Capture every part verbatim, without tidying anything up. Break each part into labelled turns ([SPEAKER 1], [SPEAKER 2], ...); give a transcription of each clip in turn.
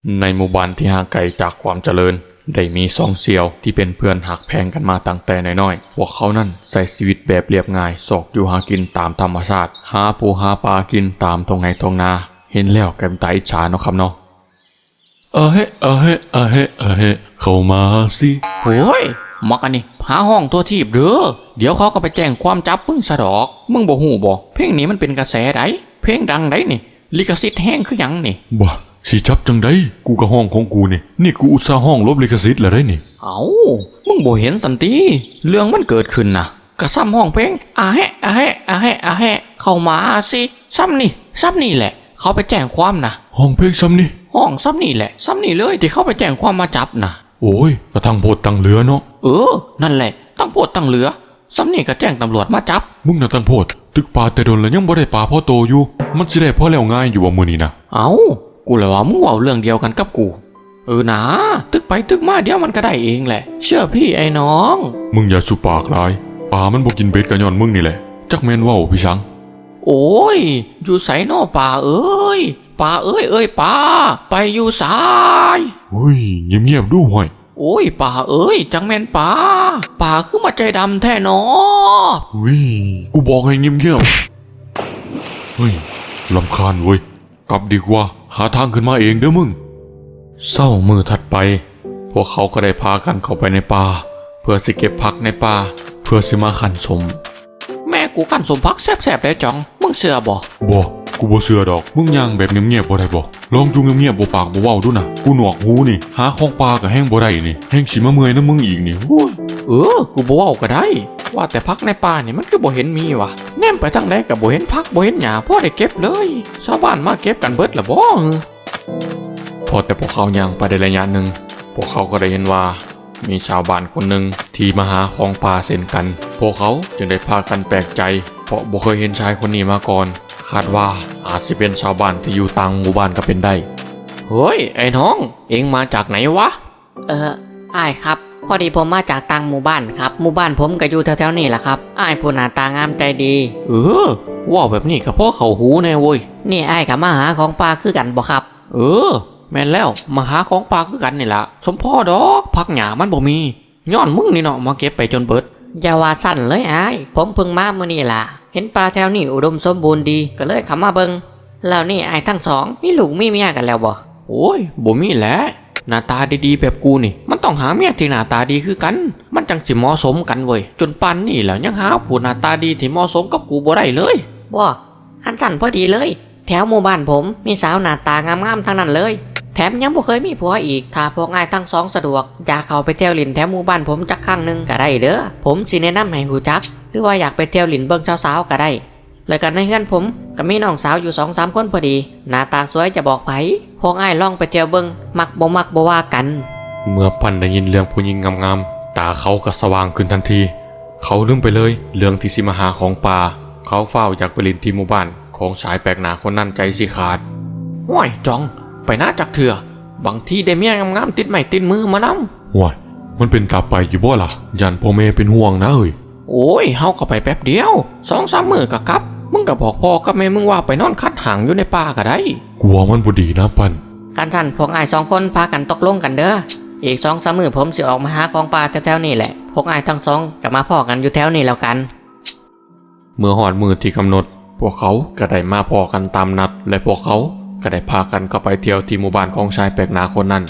[SPEAKER 1] ในหมู่บ้านที่ห่างไกลจากความเจริญได้มีสองเสี่ยวที่เป็นเพื่อนหักแพงกันมาตั้งแต่น้อยๆพวกเขานั่นใช้ชีวิตแบบเรียบง่ายสอกอยู่หากินตามธรรมชาติหาปูหาปลากินตามทงไงทงนาเห็นแล้วแกมตาอิจฉาเนาะครับเนาะเออเฮเออเฮเออเฮเออเฮเข้ามาสิ
[SPEAKER 2] โอ้ยมักอันนี้หาห้องตัวทีบเด้อเดี๋ยวเขาก็ไปแจ้งความจับมึงซะดอกมึงบ่ฮู้บ่เพลงนี้มันเป็นกระแสไดเพลงดังไดนี่ลิขสิทธิ์แห้งคือหยังนี่
[SPEAKER 1] บ่สิจับจังไดกูก็ห้องของกูนี่นี่กูอุตส่าห์ห้องลบลิขสิทธิ์แล้วได้นี่
[SPEAKER 2] เอ้ามึงบ่เห็นสันติเรื่องมันเกิดขึ้นน่ะก็ซ้ำห้องเพลงอาแฮะอาแฮะอาแฮะอาแฮะเข้ามาสิซ้ำนี่ซ้ำนี่แหละเขาไปแจ้งความนะ
[SPEAKER 1] ห้องเพลงซ้ำนี่
[SPEAKER 2] ห้องซ้ำนี่แหละซ้ำนี่เลยที่เขาไปแจ้งความมาจับนะ
[SPEAKER 1] โอ้ยกระทั่งโพดตั้งเรือเนาะ
[SPEAKER 2] เออนั่นแหละตั้งโพดตั้งเรือซ้ำนี่ก็แจ้งตำรวจมาจับ
[SPEAKER 1] มึงน่ะตั้งโพดตึกปลาแต่โดนแล้วยังบ่ได้ปลาพ่อโตอยู่มันสิได้พอแล้วง่ายอยู่ว่ามื้อนี้นะ
[SPEAKER 2] เอ้ากูเลยว่ามึงเว้าเรื่องเดียวกันกับกูเออนะตึกไปตึกมาเดี๋ยวมันก็ได้เองแหละเชื่อพี่ไอ้น้อง
[SPEAKER 1] มึงอย่าสุปากหลายปลามันบ่กินเบ็ดกะย้อนมึงนี่แหละจักแม่นเว้าพี่ชัง
[SPEAKER 2] โอ้ยอยู่ไสน้อป่าเอ้ยป่าเอ้ยเอ้ยป่าไปอยู่สาย
[SPEAKER 1] เฮ้ยเงียบๆดูห่วย
[SPEAKER 2] โอ้ยป่าเอ้ยจังแม่นป่าป่าคือมาใจดำแท้หนอ
[SPEAKER 1] เฮ้ยกูบอกให้เงียบๆเฮ้ยรำคาญเว้ยกลับดีกว่าหาทางขึ้นมาเองเด้อมึงเศร้ามือถัดไปพวกเขาก็ได้พากันเข้าไปในป่าเพื่อสิเก็บผักในป่าเพื่อสิมาขันสม
[SPEAKER 2] แม่กูขันสมพักแซ่บๆได้จ่องมึงเชื่อบ่
[SPEAKER 1] บ่กูบ่เชื่อดอกมึงย่างแบบเงียบๆบ่ได้บ่ลองอยู่เงียบๆบ่ปากบ่เว้าดูนะกูหนวกหูนี่หาของป่าก็แห้งบ่ได้นี่แห้งสิมาเมื่อยนำมึงอีกนี่โอ้ย
[SPEAKER 2] เออกูบ่เว้าก็ได้ว่าแต่พักในป่านี่มันคือบ่เห็นมีวะแนมไปทางใดก็บ่เห็นพักบ่เห็นหญ้าพอได้เก็บเลยชาวบ้านมาเก็บกันเบิดละบ่
[SPEAKER 1] พอแต่พวกเขาย่างไปได้ระยะหนึ่งพวกเขาก็ได้เห็นว่ามีชาวบ้านคนหนึ่งที่มาหาของป่าเช่นกันพวกเขาจึงได้พากันแปลกใจเพราะบ่เคยเห็นชายคนนี้มาก่อนคาดว่าอาจจะเป็นชาวบ้านที่อยู่ต่างหมู่บ้านก็เป็นได้
[SPEAKER 2] เฮ้ยไอ้น้องเอ็งมาจากไหนวะ
[SPEAKER 3] เอออ้ายครับพอดีผมมาจากต่างหมู่บ้านครับหมู่บ้านผมก็อยู่แถวๆนี่แหละครับอ้ายผู้หน้าตางามใจดี
[SPEAKER 2] เออว่าแบบนี้ก็เพราะเขาหูแน่เว้ย
[SPEAKER 3] นี่อ้ายกับมาหาของป่าคือกันบ่ครับ
[SPEAKER 2] เออแม่นแล้วมาหาของป่าคือกันนี่ล่ะสมพ่อดอกพักหญ้ามันบ่มีย้อนมึงนี่เนาะมาเก็บไปจนเบิด
[SPEAKER 3] อย่าว่าสั่นเลยอ้ายผมเพิ่งมามื้อนี้ล่ะเห็นป่าแถวนี้อุดมสมบูรณ์ดีก็เลยเข้ามาเบิ่งแล้วนี่อ้ายทั้งสองมีลูกมีเมียกันแล้วบ่
[SPEAKER 2] โอ้ยบ่มีแหละหน้าตาดีๆแบบกูนี่มันต้องหาเมียที่หน้าตาดีคือกันมันจังสิเหมาะสมกันเว้ยจนปันนี่แล้วยังหาผู้หน้าตาดีที่เหมาะสมกับกูบ่ได้เลย
[SPEAKER 3] บ่คันสั่นพอดีเลยแถวหมู่บ้านผมมีสาวหน้าตางามๆทั้งนั้นเลยแถมยังบ่เคยมีผัวอีกถ้าพวกอ้ายทั้งสองสะดวกอยากเข้าไปเที่ยวลินแถวหมู่บ้านผมจักครั้งนึงก็ได้เด้อผมสิแนะนำให้ฮู้จักหรือว่าอยากไปเที่ยวลินเบิ่งสาวๆก็ได้แล้วกันในเฮือนผมก็มีน้องสาวอยู่ สองสาม คนพอดีหน้าตาสวยจะบอกไผพวกอ้ายลองไปเที่ยวเบิ่งมักบ่มักบ่ว่ากัน
[SPEAKER 1] เมื่อปันได้ยินเรื่องผู้หญิงงามๆตาเขาก็สว่างขึ้นทันทีเขาลืมไปเลยเรื่องที่สิมาหาของป่าเขาเฝ้าอยากไปลินที่หมู่บ้านของชายแปลกหน้าคนนั้นใจสิขาด
[SPEAKER 2] ห้วยจองไปหน้าจักเถื่อบางทีได้เมียงามๆติดไม้ติดมือมานำ
[SPEAKER 1] ว้ายมันเป็นตาไปอยู่บ่ล่ะยันพ่อแม่เป็นห่วงนะเอ้ย
[SPEAKER 2] โอ้ยเฮาก็ไปแป๊บเดียว สองสาม มื้อก็กลับมึงก็บอกพ่อกับแม่มึงว่าไปนอนคัดหางอยู่ในป่าก็ได้
[SPEAKER 1] กลัวมันบ่ดีนะปัน
[SPEAKER 3] กันท่านพวกอ้ายสองคนพากันตกลงกันเด้ออีก สองสาม มื้อผมสิออกมาหาของป่าแถวๆนี่แหละพวกอ้ายทั้งสองก็มาพ้อกันอยู่แถวนี้แล้วกัน
[SPEAKER 1] เมื่อฮอดมื้อที่กำหนดพวกเขาก็ได้มาพ้อกันตามนัดและพวกเขาก็ได้พากันเข้าไปเที่ยวที่หมู่บ้านของชายแปลกหน้าคนนั้น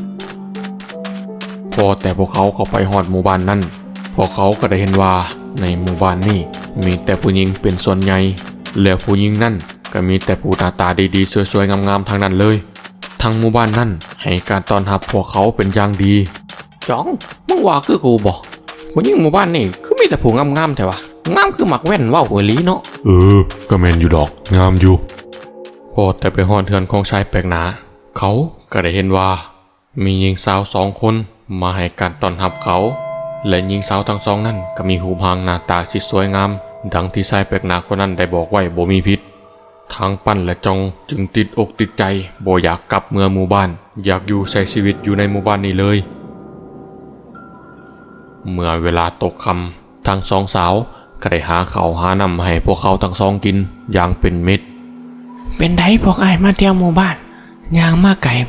[SPEAKER 1] พอแต่พวกเขาเข้าไปฮอดหมู่บ้านนั้นพวกเขาก็ได้เห็นว่าในหมู่บ้านนี้มีแต่ผู้หญิงเป็นส่วนใหญ่และผู้หญิงนั่นก็มีแต่ผู้หน้าตาดีๆสวยๆงามๆทั้งนั้นเลยทั้งหมู่บ้านนั้นให้การต้อนรับพวกเขาเป็นอย่างดี
[SPEAKER 2] จ้องมึงว่าคือกูบ่ผู้หญิงหมู่บ้านนี่คือมีแต่ผู้งามๆแท้วะงามคือหมักแว่นว่าวอีหลีเนาะ
[SPEAKER 1] เออก็แม่นอยู่ดอกงามอยู่พอแต่ไปฮอดเทือนของชายแปลกหน้าเขาก็ได้เห็นว่ามีหญิงสาวสองคนมาให้การต้อนรับเขาและหญิงสาวทั้งสองนั้นก็มีหูพางหน้าตาที่สวยงามดังที่ชายแปลกหน้าคนนั้นได้บอกไว้บ่มีพิษทางปั้นและจองจึงติดอกติดใจบ่อยากกลับเมืองหมู่บ้านอยากอยู่ใช้ชีวิตอยู่ในหมู่บ้านนี้เลยเมื่อเวลาตกค่ำทั้งสองสาวก็ได้หาข้าวหาน้ำให้พวกเขาทั้งสองกินอย่างเป็นมิตร
[SPEAKER 2] เป็นไดพวกอ้ายมาเที่ยวหมู่บ้านย่างมาไก่บ่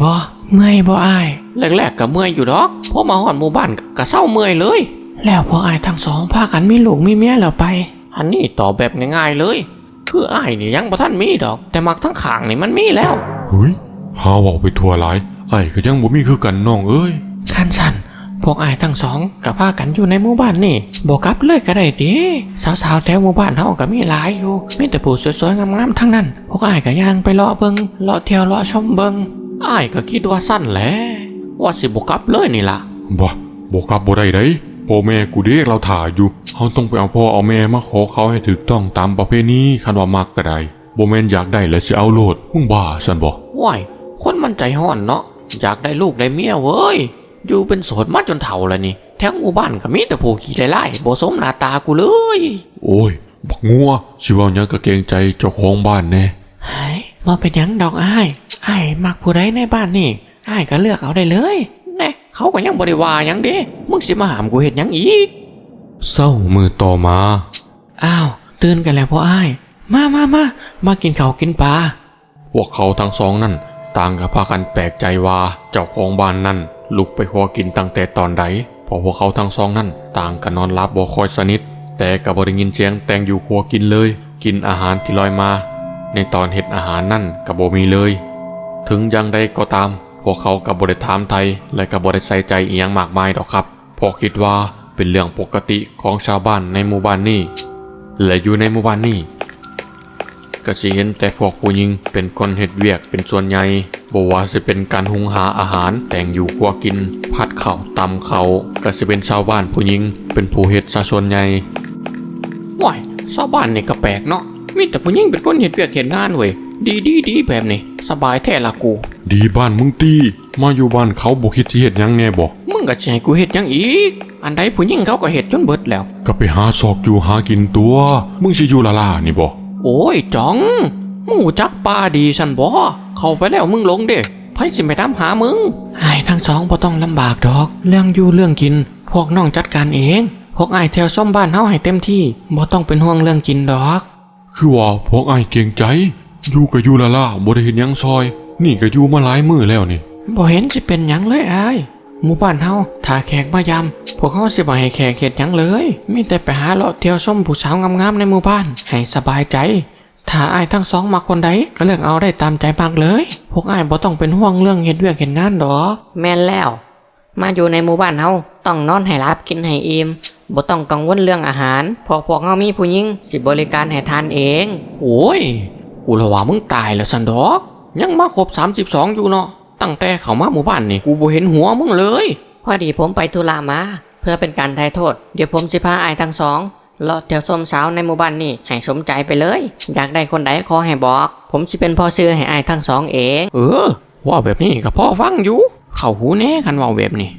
[SPEAKER 2] เมื่อยบ่อ้ายแรกๆก็เมื่อยอยู่ดอกพอมาฮอดหมู่บ้านก็เศร้าเมื่อยเลย แล้วพออ้ายทั้งสองพากันมีลูกมีเมียแล้วไปอันนี้ตอบแบบง่ายๆเลยคืออ้ายนี่ยังบ่ทันมีดอกแต่มักทั้งข้างนี่มันมีแล้ว
[SPEAKER 1] เฮ้ยหาเว้าไปทั่วหลายไอ้ก็ยังบ่มีคือกันน้องเอ้ย
[SPEAKER 2] คันสันพวกอ้ายทั้งสองก็พากันอยู่ในหมู่บ้านนี่บ่กลับเลยก็ได้ติสาวๆแถวหมู่บ้านเฮาก็มีหลายอยู่มีแต่ผู้สวยๆงามๆทั้งนั้นพวกอ้ายก็ย่างไปเลาะเบิงเลาะเที่ยวเลาะชมเบิงอ้ายก็คิดว่าสั้นแหละว่าสิบ่กลับเลยนี่ล่ะ
[SPEAKER 1] บ่บ่กลับบ่ได้เด้พ่อแม่กูเด็กเราถ่าอยู่เฮาต้องไปเอาพ่อเอาแม่มาขอเขาให้ถูกต้องตามประเพณีคันว่ามักก็ได้บ่แม่นอยากได้แล้วสิเอาโลดมึงบ้าซั่นบ่
[SPEAKER 2] ว้ายคนมันใจห้อนเนาะอยากได้ลูกได้เมียเว้ยอยู่เป็นโสดมาจนเฒ่าแล้วนี่แถวหมู่บ้านก็มีแต่ผู้ขี้ไล่ๆบ่สมหน้าตากูเลย
[SPEAKER 1] โอ้ยบักงัวสิเว้าหยังก็เกรงใจเจ้าของบ้านแน่
[SPEAKER 2] เฮ้ยบ่เป็นหยังดอกอ้ายอ้ายมักผู้ใดในบ้านนี่อ้ายก็เลือกเอาได้เลยแน่เขาก็ยังบ่ได้ว่าหยังเด้มึงสิมาหามกูเฮ็ดหยังอีก
[SPEAKER 1] เศร้ามือต่อมา
[SPEAKER 2] อ้าวตื่นกันแล้วพ่ออ้ายมามามามากินข้าวกินปลา
[SPEAKER 1] พวกเขาทั้งสองนั่นต่างก็พากันแปลกใจว่าเจ้าของบ้านนั่นลุกไปขอกินตั้งแต่ตอนใดเพราะพวกเขาทั้งสองนั่นต่างก็นอนหลับบ่ค่อยสนิทแต่ก็บ่ได้ยินเสียงแต่งอยู่ครัวกินเลยกินอาหารที่ลอยมาในตอนเฮ็ดอาหารนั่นก็บ่มีเลย ถึงอย่างใดก็ตามพวกเขาก็บ่ได้ถามไทยและก็บ่ได้ใส่ใจอีหยังมากมายดอกครับเพราะคิดว่าเป็นเรื่องปกติของชาวบ้านในหมู่บ้านนี้และอยู่ในหมู่บ้านนี้ก็สิเห็นแต่พวกผู้หญิงเป็นคนเฮ็ดเวียกเป็นส่วนใหญ่บ่ว่าสิเป็นการหุงหาอาหารแต่งอยู่ครัวกินผัดข้าวตำข้าวก็สิเป็นชาวบ้านผู้หญิงเป็นผู้เฮ็ดซะส่วนใหญ่
[SPEAKER 2] ว้ายชาวบ้านนี่ก็แปลกเนาะมีแต่ผู้หญิงเป็นคนเฮ็ดเวียกเฮ็ดงานเว้ยดีดีดีแบบนี้สบายแท้ละกู
[SPEAKER 1] ดีบ้านมึงตีมาอยู่บ้านเขาบ่คิดสิเฮ็ดหยังแน่บ่
[SPEAKER 2] มึงก็สิให้กูเฮ็ดหยังอีกอันใดผู้หญิงเขาก็เฮ็ดจนเบิดแล้ว
[SPEAKER 1] ก็ไปหาซอกอยู่หากินตัว มึงสิอยู่ละล่านี่บ่
[SPEAKER 2] โอ้ยจ๋องมึงรู้จักป้าดีสันบ่เข้าไปแล้วมึงหลงเด้ไผสิไปตามหามึงอ้ายทั้งสองบ่ต้องลำบากดอกเรื่องอยู่เรื่องกินพวกน้องจัดการเองพวกอ้ายแถวซ่อมบ้านเฮาให้เต็มที่บ่ต้องเป็นห่วงเรื่องกินดอก
[SPEAKER 1] คือว่าพวกอ้ายเกรงใจ อยู่ก็อยู่ละล่าบ่ได้เฮ็ดหยังซอย นี่ก็อยู่มาหลายมื้อแล้วนี่
[SPEAKER 2] บ่เห็นสิเป็นหยังเลยอ้ายหมู่บ้านเฮาถ้าแขกมายามพวกเฮาสิบ่ให้แขกเฮ็ดหยังเลยมีแต่ไปหาเลาะเที่ยวชมผู้สาวงามๆในหมู่บ้านให้สบายใจถ้าอ้ายทั้งสองมาคนใดก็เลือกเอาได้ตามใจมากเลยพวกอ้ายบ่ต้องเป็นห่วงเรื่องเฮ็ดเวียกเฮ็ดงานดอก
[SPEAKER 3] แม่นแล้ว มาอยู่ในหมู่บ้านเฮาต้องนอนให้หลับกินให้อิ่มบ่ต้องกังวลเรื่องอาหารเพอพวกเฮามีผู้หญิงสิบริการให้ทานเอง
[SPEAKER 2] โอ้ยกูละว่ามึงตายแล้วสันดอกยังมาครบสามสิบสองอยู่เนาะตั้งแต่เข้ามาหมู่บ้านนี่กูบ่เห็นหัวมึงเลย
[SPEAKER 3] พอดีผมไปธุระมา เพื่อเป็นการไถ่โทษ เดี๋ยวผมสิพาอายทั้งสองเลาะเที่ยวชมสาวในหมู่บ้านนี่ให้สมใจไปเลย อยากได้คนใดขอให้บอก ผมสิเป็นพ่อซื้อให้อายทั้งสองเอง
[SPEAKER 2] เออว่าแบบนี้ก็พอฟังอยู่เข้าหูแน่คันเว่าแบบนี้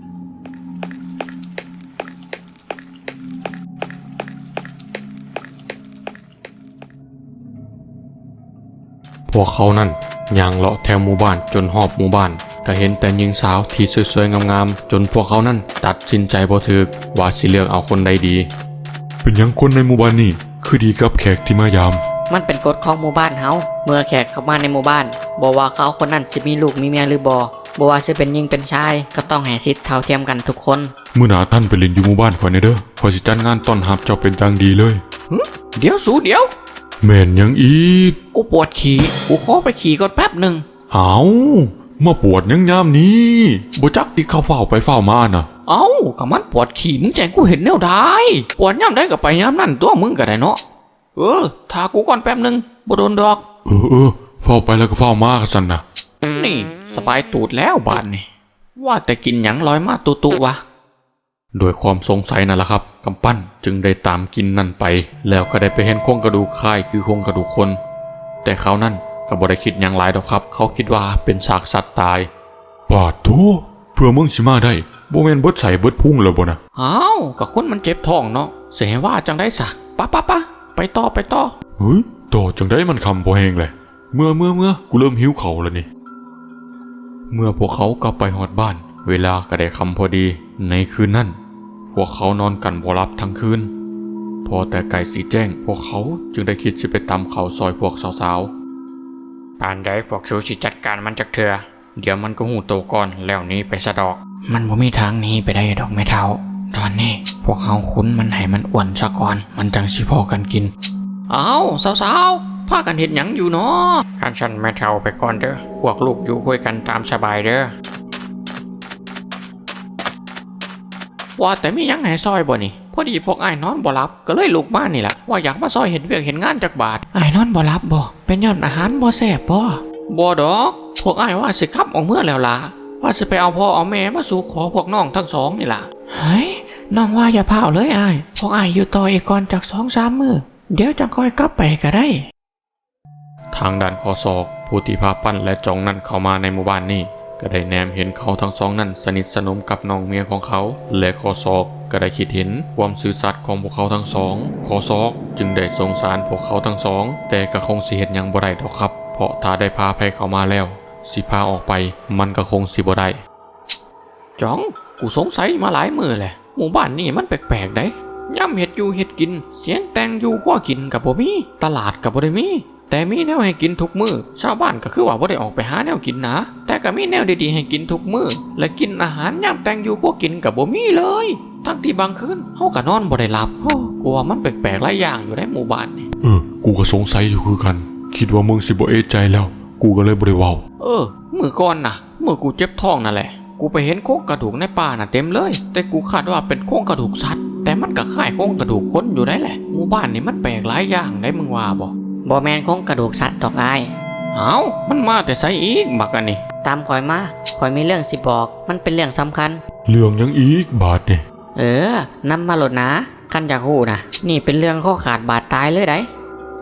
[SPEAKER 1] พวกเขานั่นย่างเลาะแถวหมู่บ้านจนหอบหมู่บ้านก็เห็นแต่หญิงสาวที่สวยๆงามๆจนพวกเขานั่นตัดสินใจบ่ถูกว่าสิเลือกเอาคนใดดี เป็นหยังคนในหมู่บ้านนี่คือดีกับแขกที่มายาม
[SPEAKER 3] มันเป็นกฎของหมู่บ้านเฮาเมื่อแขกเข้ามาในหมู่บ้านบอกว่าเขาคนนั้นจะมีลูกมีเมียหรือบ่บ่ว่าจะเป็นหญิงเป็นชายก็ต้องให้สิทธิ์เท่าเทียมกันทุกคน
[SPEAKER 1] มื้อหน้าท่านไปเล่นอยู่หมู่บ้านข่อยแน่เด้อข่อยสิจัดงานต้อนรับเจ้าเป็นอย่างดีเลย
[SPEAKER 2] เดี๋ยวสูเดี๋ยว
[SPEAKER 1] แม่นหยังอีก
[SPEAKER 2] กูปวดขี่กูขอไปขี่ก่อนแป๊บหนึ่ง
[SPEAKER 1] เอามาปวดยังยามนี้บ่จักติเข้าเฝ้าไปเฝ้ามาน่ะ
[SPEAKER 2] เอ้าก็มันปวดขี่มึงแจ้งกูเห็นแนวได้ปวดย่ำได้ก็ไปย่ำนั่นตัวมึงก็ได้เนาะเออถ้ากูก่อนแป๊บหนึ่งบ่โดนดอก
[SPEAKER 1] เออเออเฝ้าไปแล้วก็เฝ้ามาซั่นน่ะ
[SPEAKER 2] นี่สบายตูดแล้วบานนี่ว่าแต่กินหยังลอยมาตุตุวะ
[SPEAKER 1] โดยความสงสัยนั่นแหละครับกำปั้นจึงได้ตามกินนั่นไป แล้วก็ได้ไปเห็นโครงกระดูกคล้ายคือโครงกระดูกคน แต่เขานั่นก็บ่ได้คิดหยังหลายดอกครับ เขาคิดว่าเป็นซากสัตว์ตายปาดโธ่เพื่อมึงสิมาได้บ่แม่นเบิดใส่เบิดพุ่งแล้วบ่นะ
[SPEAKER 2] เอ้าก็คนมันเจ็บท้องเนาะเสียว่าจังได้สะปะปะปะไปต่อไปต่อ
[SPEAKER 1] เฮ้ยต่อจังได้มันคำพอแหงเลยเมื่อเมื่อเมื่อกูเริ่มหิวเข่าวแล้วนี่เมื่อพวกเขากลับไปหอดบ้าน เวลาก็ได้คำพอดีในคืนนั้นพวกเขานอนกันบ่หลับทั้งคืนพอแต่ไก่สีแจ้งพวกเขาจึงได้คิดสิไปตำเขาวซอยพวกสาวๆ
[SPEAKER 4] ปานใดพวกชูสิจัดการมันจักเถื่อ
[SPEAKER 2] เดี๋ยวมันก็หูโตก่อนแล้วหนี้ไปสะดอก มันบ่มีทางหนี้ไปได้ดอกไม่เท่า ตอนนี้พวกเฮาคุ้นมันให้มันอ้วนซะก่อนมันจังสิพอกันกินเอาสาวๆพากันเห็นหยังอยู่เนาะคันฉันไม่เท่าไปก่อนเด้อพวกลูกอยู่คุยกันตามสบายเด้อว่าแต่มีหยังให้ซอยบ่นี่พอดีพวกอ้ายนอนบ่หลับก็เลยลุกมานี่แหละว่าอยากมาซอยเห็นเวียกเห็นงานจากบาทอ้ายนอนบ่หลับบ่เป็นย้อนอาหารบ่แซ่บบ่บ่ดอกพวกอ้ายว่าสิขับออกเมื่อแล้วล่ะว่าสิไปเอาพ่อเอาแม่มาสู่ขอพวกน้องทั้งสองนี่ล่ะเฮ้ยน้องว่าอย่าพาเอาเลยอ้ายพวกอ้ายอยู่ต่ออีกก่อนจากสองสามมื้อเดี๋ยวจังค่อยกลับไปก็ได้
[SPEAKER 1] ทางด้านคอศอกผู้ที่พาปั้นและจองนั่นเข้ามาในหมู่บ้านนี้ก็ได้แนมเห็นเขาทั้งสองนั้นสนิทสนมกับน้องเมียของเขาและคอศอกก็ได้คิดเห็นความซื่อสัตย์ของพวกเขาทั้งสองคอศอกจึงได้สงสารพวกเขาทั้งสองแต่ก็คงสิเฮ็ดหยังบ่ได้ดอกครับเพราะถ้าได้พาภัยเข้ามาแล้วสิพาออกไปมันก็คงสิบ่ได้
[SPEAKER 2] จ้องกูสงสัยมาหลายมื้อแหละหมู่บ้านนี่มันแปลกๆได้ย่ำเฮ็ดอยู่เฮ็ดกินเสียงแต่งอยู่ก็กินกับบ่มีตลาดกับบ่ได้มีแต่มีแนวให้กินทุกมื้อชาวบ้านก็คือว่าบ่ได้ออกไปหาแนวกินนะแต่ก็มีแนวดีๆให้กินทุกมื้อและกินอาหารย่ำแต่งอยู่ก็กินกับบ่มีเลยทั้งที่บางคืนเฮาก็นอนบ่ได้หลับโอ้กูว่ามันแปลกๆหลายอย่างอยู่ในหมู่บ้านนี่
[SPEAKER 1] เออกูก็สงสัยอยู่คือกันคิดว่ามึงสิบ่เอะใจแล้วกูก็เลยบ่ได้เว้า
[SPEAKER 2] เออมื้อก่อนน่ะเมื่อกูเจ็บท้องนั่นแหละกูไปเห็นโครงกระดูกในป่าน่ะเต็มเลยแต่กูคาดว่าเป็นโครงกระดูกสัตว์แต่มันก็คล้ายโครงกระดูกคนอยู่ได้แหละหมู่บ้านนี่มันแปลกหลายอย่างได้มึงว่าบ่
[SPEAKER 3] บ่แมนคงกระดูกสัตว์ดอกอ้าย
[SPEAKER 2] เอ้ามันมาแต่ไสอีกบักอันนี้
[SPEAKER 3] ตามข่อยมาข่อยมีเรื่องสิบอกมันเป็นเรื่องสำคัญ
[SPEAKER 1] เรื่องยังอีกบาดนี่
[SPEAKER 3] เออนำมาโหลดนะคันอยากฮู้นะนี่เป็นเรื่องข้อขาดบาดตายเลยได้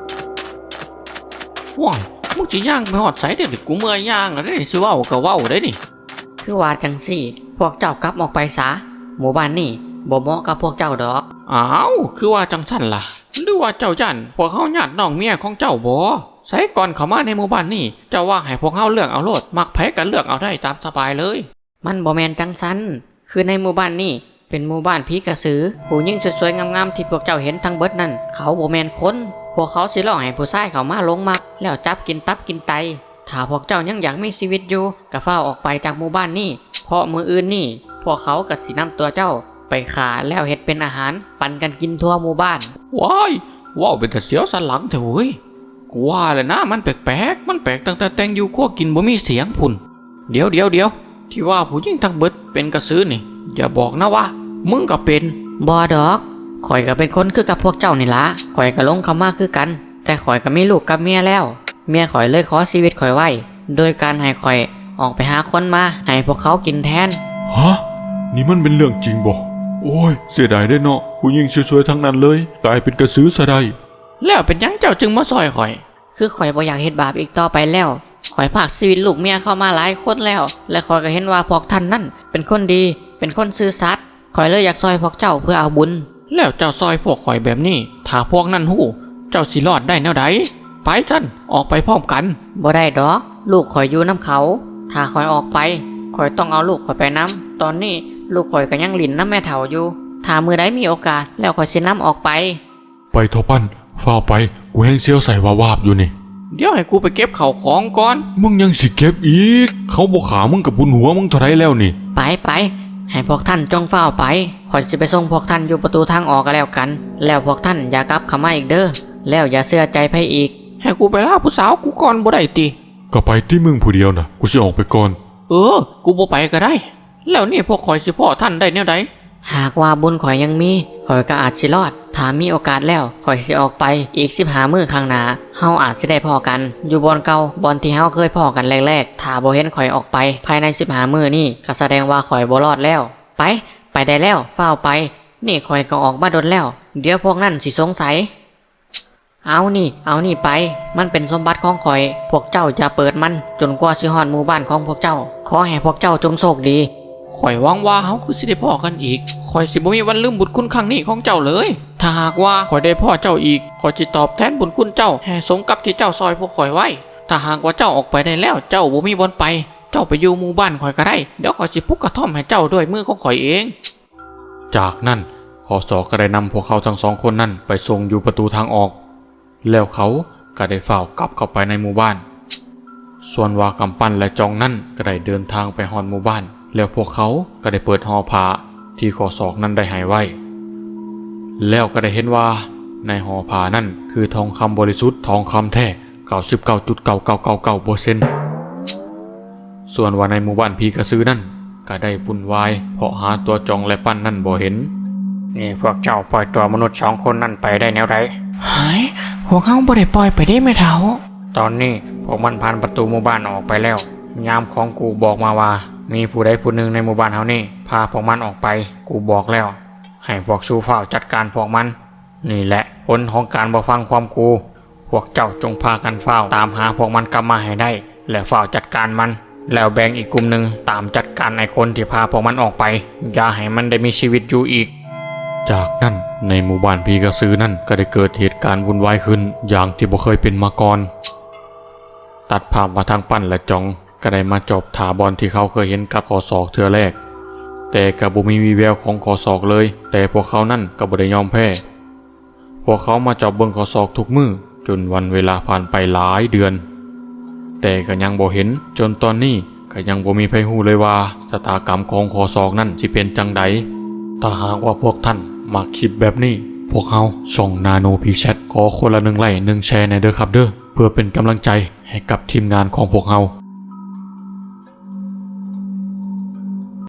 [SPEAKER 2] ว้ายมึงสิย่างไปฮอดไสเด้อกูเมื่อยย่างแล้วได้สิเว้าก็เว้าได้นี่
[SPEAKER 3] คือว่าจังซี่พวกเจ้ากลับออกไปซะหมู่บ้านนี่บ่เหมาะกับพวกเจ้าดอก
[SPEAKER 2] อ้าวคือว่าจังซั่นล่ะหรือว่าเจ้ายันพวกเฮาญาติน้องเมียของเจ้าบ่ใส่ก่อนเข้ามาในหมู่บ้านนี่เจ้าว่าให้พวกเฮาเลือกเอาโลดมักไผกันเลือกเอาได้ตามสบายเลย
[SPEAKER 3] มันบ่แม่นจังซั่นคือในหมู่บ้านนี่เป็นหมู่บ้านผีกระสือผู้หญิงสวยๆงามๆที่พวกเจ้าเห็นทั้งเบิดนั่นเขาบ่แม่นคนพวกเขาสิล่อให้ผู้ชายเข้ามาลงมักแล้วจับกินตับกินไตถ้าพวกเจ้ายังอยากมีชีวิตอยู่ก็ฟ้าออกไปจากหมู่บ้านนี่เพราะมื้ออื่นนี่พวกเขาก็สินำตัวเจ้าไปขาแล้วเฮ็ดเป็นอาหารปันกันกินทั่วหมู่บ้าน
[SPEAKER 2] ว้ายว้าวเป็นแต่เสียวสันหลังเถอะเว้ยกูว่าเลยนะมันแปลกๆมันแปลกตั้งแต่แต่งอยู่ขั้วกินบ่มีเสียงพุ่นเดี๋ยวเดี๋ยวเดี๋ยวที่ว่าผู้หญิงทั้งเบิดเป็นกระสือนี่อย่าบอกนะว่ามึงก็เป็น
[SPEAKER 3] บ่ดอกข่อยก็เป็นคนคือกับพวกเจ้านี่ล่ะข่อยก็ลงเข้ามาคือกันแต่ข่อยก็มีลูกกับเมียแล้วเมียข่อยเลยขอชีวิตข่อยไว้โดยการให้ข่อยออกไปหาคนมาให้พวกเขากินแทน
[SPEAKER 1] ฮะนี่มันเป็นเรื่องจริงบ่โอ้ยเสียดายได้เนาะผู้หญิงสวยๆทั้งนั้นเลยกลายเป็นกระสือซะได้
[SPEAKER 2] แล้วเป็นยังเจ้าจึงมาซอยข่อย
[SPEAKER 3] คือข่อยบ่อยากเฮ็ดบาปอีกต่อไปแล้วข่อยพากชีวิตลูกเมียเข้ามาหลายคนแล้วและข่อยก็เห็นว่าพวกท่านนั่นเป็นคนดีเป็นคนซื่อสัตย์ข่อยเลยอยากซอยพวกเจ้าเพื่อเอาบุญ
[SPEAKER 2] แล้วเจ้าซอยพวกข่อยแบบนี้ถ้าพวกนั้นฮู้เจ้าสิรอดได้แนวใดไปซั่นออกไปพร้อมกัน
[SPEAKER 3] บ่ได้ดอกลูกข่อยอยู่นำเขาถ้าข่อยออกไปข่อยต้องเอาลูกข่อยไปนำตอนนี้ลูกข่อยก็ยังหลินนำแม่เฒ่าอยู่ถ้ามื้อใดมีโอกาสแล้วข่อยสินำออกไป
[SPEAKER 1] ไปเถอะปั้นฟ้าไปกูแห้งเสียวใส่วาบๆอยู่นี่
[SPEAKER 2] เดี๋ยวให้กูไปเก็บข้าวของก่อน
[SPEAKER 1] มึงยังสิเก็บอีกเขาบ่ขามึงกับบุญหัวมึงเท่าไรแล้วนี่
[SPEAKER 3] ไปไปให้พวกท่านจงเฝ้าไปข่อยสิไปส่งพวกท่านอยู่ประตูทางออกก็แล้วกันแล้วพวกท่านอย่ากลับเข้ามาอีกเด้อแล้วอย่าเชื่อใจไผอีก
[SPEAKER 2] ให้กูไปล่าผู้สาวกูก่อนบ่ได้ติ
[SPEAKER 1] ก็ไปที่มึงผู้เดียวน่ะกูสิออกไปก่อน
[SPEAKER 2] เออกูบ่ไปก็ได้แล้วนี่พวกข่อยสิพ่อท่านได้แนวใด
[SPEAKER 3] หากว่าบุญข่อยยังมีข่อยก็อาจสิรอดถ้ามีโอกาสแล้วข่อยสิออกไปอีกสิบห้ามื้อข้างหน้าเฮาอาจสิได้พ้อกันอยู่บ่อนเก่าบ่อนที่เฮาเคยพ้อกันแรกๆถ้าบ่เห็นข่อยออกไปภายในสิบห้ามื้อนี้ก็แสดงว่าข่อยบ่รอดแล้วไปไปได้แล้วเฝ้าไปนี่ข่อยก็ออกมาดนแล้วเดี๋ยวพวกนั้นสิสงสัยเอานี่เอานี่ไปมันเป็นสมบัติของข่อยพวกเจ้าจะเปิดมันจนกว่าสิฮอดหมู่บ้านของพวกเจ้าขอให้พวกเจ้าจงโชคดี
[SPEAKER 2] ข่อยหวังว่าเฮาคือสิได้พ่อกันอีกข่อยสิบ่มีวันลืมบุญคุณครั้งนี้ของเจ้าเลยถ้าหากว่าข่อยได้พ่อเจ้าอีกข่อยสิตอบแทนบุญคุณเจ้าให้สมกับที่เจ้าซอยพวกข่อยไว้ถ้าหากว่าเจ้าออกไปได้แล้วเจ้าบ่มีบ่อนไปเจ้าไปอยู่หมู่บ้านข่อยก็ได้เดี๋ยวข่อยสิปลุกกระท่อมให้เจ้าด้วยมือของข่อยเอง
[SPEAKER 1] จากนั้นคอสอก็ได้นำพวกเขาทั้งสองคนนั้นไปส่งอยู่ประตูทางออกแล้วเขาก็ได้เฝ้ากลับเข้าไปในหมู่บ้านส่วนว่ากำปั้นและจองนั่นก็ได้เดินทางไปฮอดหมู่บ้าน แล้วพวกเขาก็ได้เปิดห่อผ้าที่ข้อศอกนั้นได้หายไว้ แล้วก็ได้เห็นว่าในห่อผ้านั่นคือทองคำบริสุทธิ์ทองคำแท้ เก้าสิบเก้าจุดเก้าเก้าเก้าเก้าเปอร์เซ็นต์ ส่วนว่าในหมู่บ้านผีกระสือนั่นก็ได้วุ่นวายเพราะหาตัวจองและปั้นนั่นบ่เห็น
[SPEAKER 4] นี่พวกเจ้าปล่อยตัวมนุษย์สองคนนั่นไปได้แนวไร
[SPEAKER 2] หายพวกเขาบ่ได้ปล่อยไปได้แม่เฒ่า
[SPEAKER 4] ตอนนี้พวกมันผ่านประตูหมู่บ้านออกไปแล้ว ยามของกูบอกมาว่า มีผู้ใดผู้หนึ่งในหมู่บ้านเฮานี่พาพวกมันออกไป กูบอกแล้ว ให้พวกชูเฝ้าจัดการพวกมัน นี่แหละผลของการบ่ฟังความกู พวกเจ้าจงพากันเฝ้าตามหาพวกมันกลับมาให้ได้ และเฝ้าจัดการมัน แล้วแบ่งอีกกลุ่มหนึ่งตามจัดการไอ้คนที่พาพวกมันออกไป อย่าให้มันได้มีชีวิตอยู่อีก
[SPEAKER 1] จากนั้นในหมู่บ้านผีกระสือนั่นก็ได้เกิดเหตุการณ์วุ่นวายขึ้นอย่างที่บ่เคยเป็นมาก่อน ตัดภาพมาทางปั้นและจองก็ได้มาจบถาบอลที่เขาเคยเห็นกับคอศอกเทือแรก แต่กับบุมีวีแววของคอศอกเลย แต่พวกเขานั่นก็บ่ได้ยอมแพ้ พวกเขามาจอบเบิ่งคอศอกทุกมือจนวันเวลาผ่านไปหลายเดือน แต่ก็ยังบ่เห็นจนตอนนี้ก็ยังบ่มีใครรู้เลยว่าชะตากรรมของคอศอกนั่นสิเป็นจังใดถ้าหากว่าพวกท่านมักคลิปแบบนี้ พวกเขาช่องนาโนพีแชทขอคนละหนึ่งไลค์หนึ่งแชร์ในเด้อครับเด้อเพื่อเป็นกำลังใจให้กับทีมงานของพวกเรา